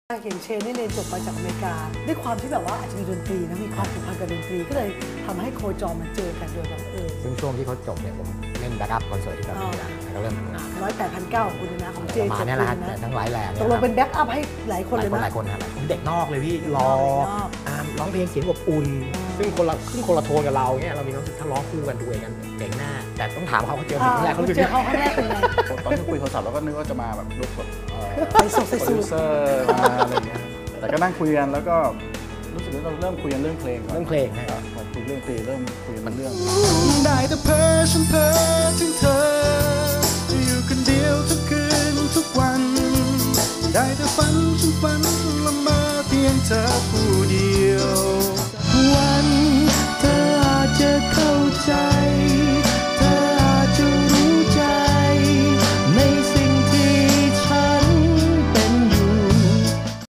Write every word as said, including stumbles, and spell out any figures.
เห็นเชนนี่เรียนจบมาจากอเมริกาด้วยความที่แบบว่าอาจจะมีดนตรีนะมีความผูกพันกับดนตรีก็เลยทำให้โคจรมันเจอกันโดยบังเอิญซึ่งช่วงที่เขาจบเนี่ยผมเล่นแบ็กอัพคอนเสิร์ตที่เกาหลีนะแล้วก็เริ่มทำงานร้อยแปดพันเก้าของคุณนะของเจมาเนี่ยแหละทั้งหลายแหล่ตกลงเป็นแบ็กอัพให้หลายคนเลยนะหลายคนครับผมเด็กนอกเลยพี่รอร้องเพลงเสียงอบอุ่นซึ่งคนละซึ่งคนละโทนกับเราเนี่ยเรามีความรู้สึกถ้าร้องคู่กันดูเองกันเจ๋งแน่แต่ต้องถามเขาเขาเจอผมครั้งแรกเขาเจอเขาครั้งแรกเป็นไงตอนที่คุยโทรศัพท์เราก็นึกว่าจะมาแบบลุกแบบไปส่งใส่โปรสูดิวทเซอร์มาอะไรเงี้ยแต่ก็นั่งคุยกันแล้วก็รู้สึกว่าเราเริ่มคุยกันเรื่องเพลงก่อนเรื่องเพลงนะครับพอคุยเรื่องเพลงเริ่มคุยกันเรื่องได้แต่เพ้อฉันเพ้อถึงเธอจะอยู่คนเดียวทุกคืนทุกวันได้แต่ฝันฉันฝันละเมอเพียงเธอผู้เดี